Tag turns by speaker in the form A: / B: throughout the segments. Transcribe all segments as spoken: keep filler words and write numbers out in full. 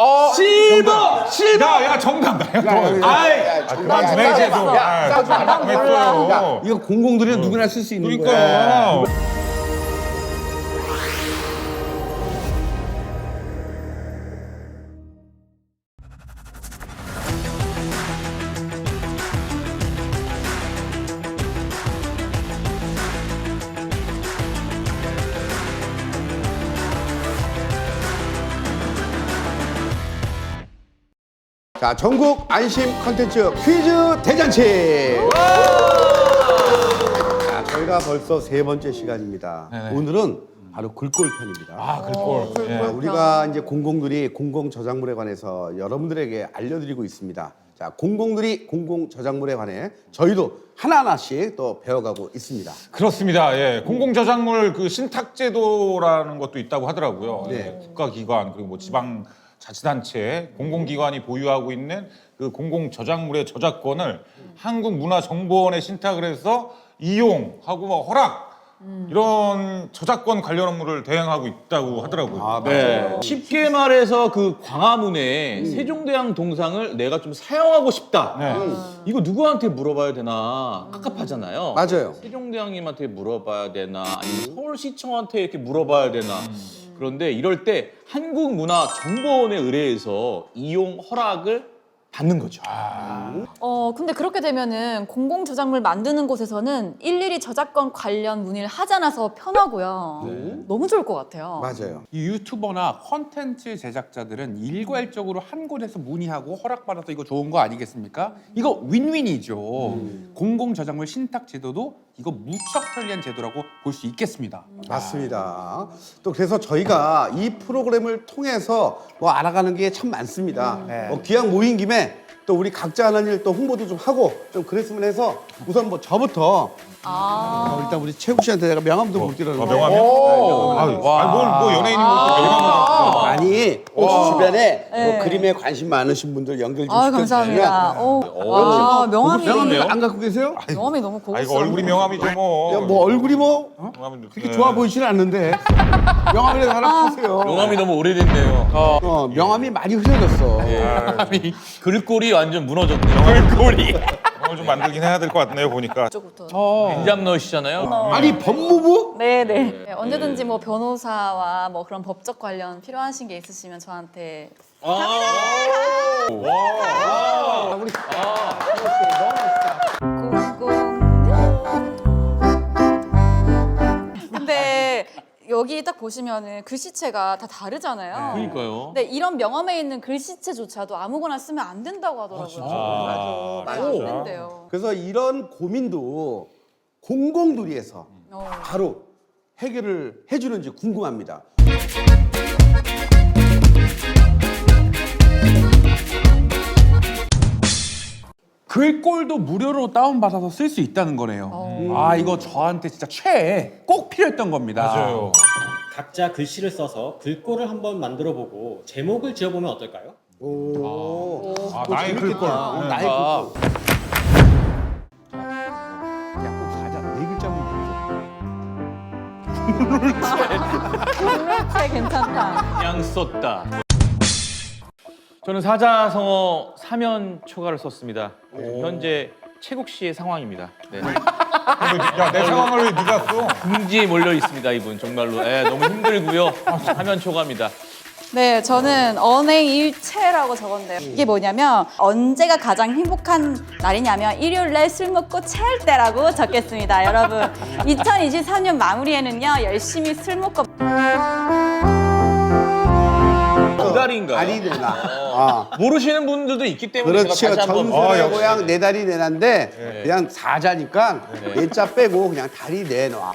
A: 어,
B: 실버! 실버!
A: 야, 야, 정답 나야.
B: 아이,
A: 아, 그만 좀 해, 이제 좀. 아, 좀 했어요.
C: 이거 공공들이 누구나 쓸 수 있는 거야.
A: 그러니까.
C: 자, 전국 안심 컨텐츠 퀴즈 대잔치. 자, 저희가 벌써 세 번째 시간입니다.
A: 네네.
C: 오늘은 바로 글꼴 편입니다.
A: 아, 글꼴.
C: 자,
A: 예.
C: 우리가 이제 공공들이 공공 저작물에 관해서 여러분들에게 알려드리고 있습니다. 자, 공공들이 공공 저작물에 관해 저희도 하나하나씩 또 배워가고 있습니다.
A: 그렇습니다. 예. 공공저작물 그 신탁제도라는 것도 있다고 하더라고요.
C: 네.
A: 예. 국가기관 그리고 뭐 지방 자치단체, 공공기관이 보유하고 있는 그 공공저작물의 저작권을 한국문화정보원에 신탁을 해서 이용하고 뭐 허락 이런 저작권 관련 업무를 대행하고 있다고 하더라고요.
C: 아,
B: 네. 쉽게 말해서 그 광화문에 세종대왕 동상을 내가 좀 사용하고 싶다.
A: 네.
B: 이거 누구한테 물어봐야 되나 깝깝하잖아요.
C: 맞아요.
B: 세종대왕님한테 물어봐야 되나 아니면 서울시청한테 이렇게 물어봐야 되나. 그런데 이럴 때 한국문화정보원에 의뢰해서 이용 허락을 받는 거죠.
D: 어 근데 그렇게 되면은 공공 저작물 만드는 곳에서는 일일이 저작권 관련 문의를 하지 않아서 편하고요. 너무 좋을 것 같아요.
C: 맞아요.
E: 이 유튜버나 콘텐츠 제작자들은 일괄적으로 한 곳에서 문의하고 허락받아서 이거 좋은 거 아니겠습니까? 이거 윈윈이죠. 공공 저작물 신탁 제도도 이거 무척 편리한 제도라고 볼 수 있겠습니다.
C: 맞습니다. 또 그래서 저희가 이 프로그램을 통해서 뭐 알아가는 게 참 많습니다.
E: 네.
C: 뭐 기왕 모인 김에 또 우리 각자 하는 일 또 홍보도 좀 하고 좀 그랬으면 해서 우선 뭐 저부터
D: 아,
C: 어, 일단 우리 최국 씨한테 내가 명함도 못 드렸는데.
A: 아, 명함이요? 아유, 아니, 뭘, 뭐 연예인이 뭐 명함을.
C: 아니 혹시 주변에 뭐
D: 네.
C: 그림에 관심 많으신 분들 연결 좀
D: 아
C: 시켜주시면.
D: 감사합니다. 어, 와, 명함이
C: 명함 안 갖고 계세요?
D: 명함이 너무
A: 아, 이거
D: 고급스러워.
A: 얼굴이 명함이죠, 뭐.
C: 야, 뭐 얼굴이 뭐
A: 명함이
C: 그렇게
A: 네.
C: 좋아 보이지는 않는데 명함이라도 하나 파세요.
B: 명함이 너무 오래됐네요.
C: 어, 명함이 많이 흐려졌어.
B: 글꼴이 완전 무너졌네요. 글꼴이.
A: 명함을 좀 만들긴 해야 될 것 같네요, 보니까.
D: 이쪽부터.
B: 인잡 넣으시잖아요.
C: 아니 법무부?
D: 네네. 네, 언제든지 뭐 변호사와 뭐 그런 법적 관련 필요하신 게 있으시면 저한테. 공공. 근데 여기 딱 보시면은 글씨체가 다 다르잖아요.
B: 그러니까요.
D: 근데 이런 명함에 있는 글씨체조차도 아무거나 쓰면 안 된다고 하더라고요.
A: 아,
D: 말이 안 된대요.
C: 그래서 이런 고민도 공공두리에서
D: 어.
C: 바로 해결을 해주는지 궁금합니다.
E: 글꼴도 무료로 다운받아서 쓸 수 있다는 거네요.
D: 어.
E: 아 이거 저한테 진짜 최애 꼭 필요했던 겁니다.
A: 맞아요.
F: 각자 글씨를 써서 글꼴을 한번 만들어보고 제목을 지어보면 어떨까요?
C: 오,
A: 아, 나의 글꼴.
C: 어,
A: 네.
C: 나의 글꼴. 야꼭 가자. 네 글자면
D: 물체 괜찮다.
B: 그냥 썼다. 저는 사자성어 사면 초가를 썼습니다. 현재 최국 씨의 상황입니다. 네.
A: 야, 내 상황을 왜 네가 써?
B: 궁지에 몰려 있습니다, 이분 정말로. 예, 너무 힘들고요. 사면 초가입니다.
D: 네, 저는 언행일체라고 적었는데요. 이게 뭐냐면 언제가 가장 행복한 날이냐면 일요일날 술 먹고 체할 때라고 적겠습니다. 여러분, 이천이십삼 년 마무리에는요 열심히 술 먹고
B: 두 달인가요?
C: 다리 내놔. 아.
B: 모르시는 분들도 있기 때문에
C: 그렇죠.
B: 제가 다시 한번
C: 전설의
A: 아, 역시.
C: 고향 네 다리 내난데 그냥 사자니까 네 자 빼고 그냥 다리 내놔.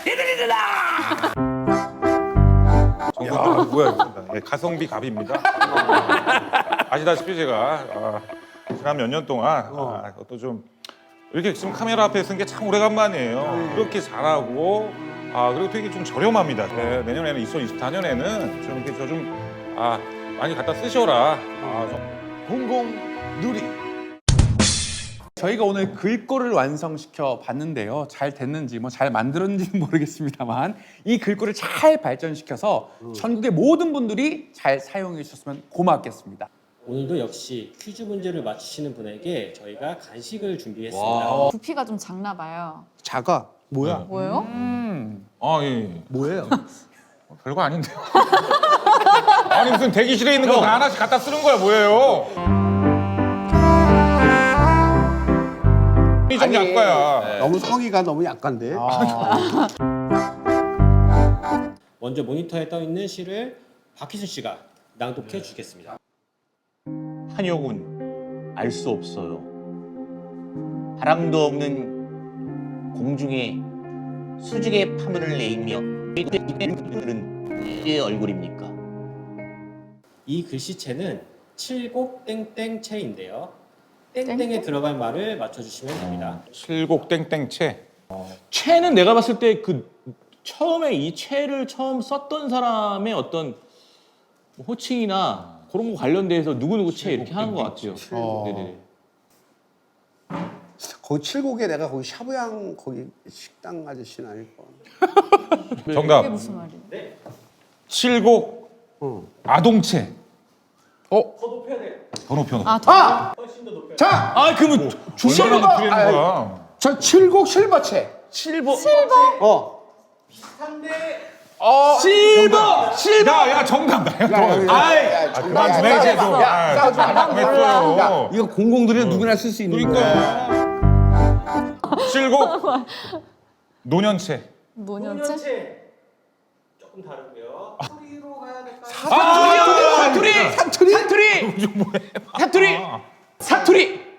A: 야, 뭐야, 이거. 예, 가성비 갑입니다. 아시다시피 제가 아, 지난 몇 년 동안 아, 또 좀 이렇게 지금 카메라 앞에 쓴 게 참 오래간만이에요. 그렇게 잘하고 아 그리고 되게 좀 저렴합니다. 네, 내년에는 이천이십사 년에는 좀 이렇게 저 좀 아 많이 갖다 쓰셔라. 아, 좀.
C: 공공누리.
E: 저희가 오늘 글꼴을 완성시켜 봤는데요. 잘 됐는지 뭐 잘 만들었는지는 모르겠습니다만 이 글꼴을 잘 발전시켜서 전국의 모든 분들이 잘 사용해 주셨으면 고맙겠습니다.
F: 오늘도 역시 퀴즈 문제를 맞히시는 분에게 저희가 간식을 준비했습니다.
D: 부피가 좀 작나 봐요.
C: 작아. 뭐야?
D: 뭐예요?
E: 음.
A: 아 예.
C: 뭐예요?
A: 별거 아닌데요. 아니 무슨 대기실에 있는 거 다 하나씩 갖다 쓰는 거야 뭐예요? 이좀 약과야.
C: 너무 성의가 너무 약간데.
F: 먼저 모니터에 떠 있는 시를 박희순 씨가 낭독해 주겠습니다.
B: 한효군 알 수 없어요. 바람도 없는 공중에 수직의 파문을 내이며 의 얼굴입니까?
F: 이 글씨체는 칠곡 땡땡체인데요. 땡땡에
D: 땡땡?
F: 들어갈 말을 맞춰주시면 됩니다.
A: 칠곡 땡땡채.
B: 채는 내가 봤을 때 그 처음에 이 채를 처음 썼던 사람의 어떤 호칭이나 그런 거 관련돼서 누구누구 채 이렇게 하는 것 같아요.
C: 어.
B: 네네.
C: 거기 칠곡에 내가 거기 샤브양 거기 식당 아저씨는 아닐 거.
A: 정답.
D: 이게 무슨 말이에요?
A: 칠곡
C: 어.
A: 아동채.
E: 어?
F: 더 높여야 돼요.
A: 더 높여.
D: 아, 더
C: 아!
F: 훨씬 더 높여야 돼요.
C: 자,
B: 아 그러면
A: 얼마나
B: 중심을
A: 높이는 거야?
C: 저 칠곡 실버채.
B: 실버
C: 어.
B: 어 실버 실버
A: 야, 야 정답 나야. 또.
B: 아이
A: 아, 그만 좀 해, 이제 좀. 아,
C: 싸우지 마.
A: 좀 했어요.
C: 야, 이거 공공들이 누구나 쓸 수 있는 거야.
A: 그러니까. 칠곡 노년채.
D: 노년체?
F: 노년체 조금 다르고요. 소리로 가야 될까요?
B: 사투리 사투리 사투리 사투리 사투리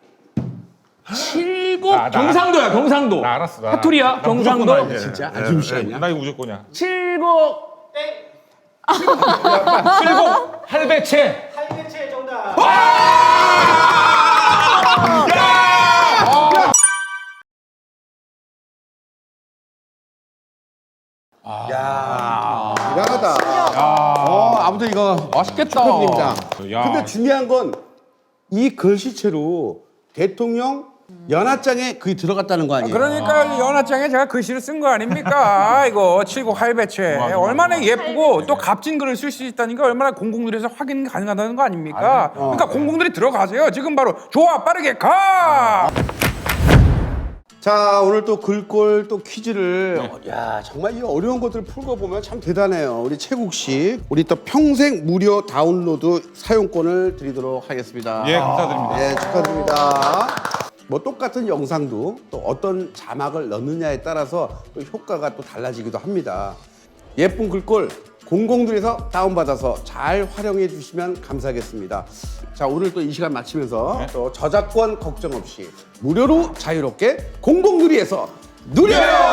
B: 칠곡
A: 나, 나.
B: 경상도야 경상도
A: 나 알았어. 나.
B: 사투리야
A: 나 무조건
B: 경상도
A: 알지.
C: 진짜?
A: 예,
C: 아줌씨
A: 예,
C: 아니야?
A: 나 이거 무조건이야.
B: 칠곡
A: 칠곡 할배채.
F: 할배체 정답.
C: 야, 대단하다. 어, 아무튼 이거
E: 맛있겠다.
C: 축하드립니다.
A: 야.
C: 근데 중요한 건 이 글씨체로 대통령 연하장에 그게 들어갔다는 거 아니에요?
E: 그러니까 이 연하장에 제가 글씨를 쓴 거 아닙니까? 이거 칠곡 할배채
A: 맞아, 맞아,
E: 얼마나 예쁘고
D: 할배채.
E: 또 값진 글을 쓸 수 있다니까 얼마나 공공들에서 확인 가능하다는 거 아닙니까? 그러니까 공공들이 들어가세요. 지금 바로 좋아 빠르게 가.
C: 자, 오늘 또 글꼴 또 퀴즈를 야, 정말 이 어려운 것들을 풀고 보면 참 대단해요. 우리 최국 씨, 우리 또 평생 무료 다운로드 사용권을 드리도록 하겠습니다.
A: 예, 감사드립니다.
C: 예, 축하드립니다. 뭐 똑같은 영상도 또 어떤 자막을 넣느냐에 따라서 또 효과가 또 달라지기도 합니다. 예쁜 글꼴 공공들에서 다운받아서 잘 활용해 주시면 감사하겠습니다. 자, 오늘 또 이 시간 마치면서 또 저작권 걱정 없이 무료로 자유롭게 공공누리에서 누려요!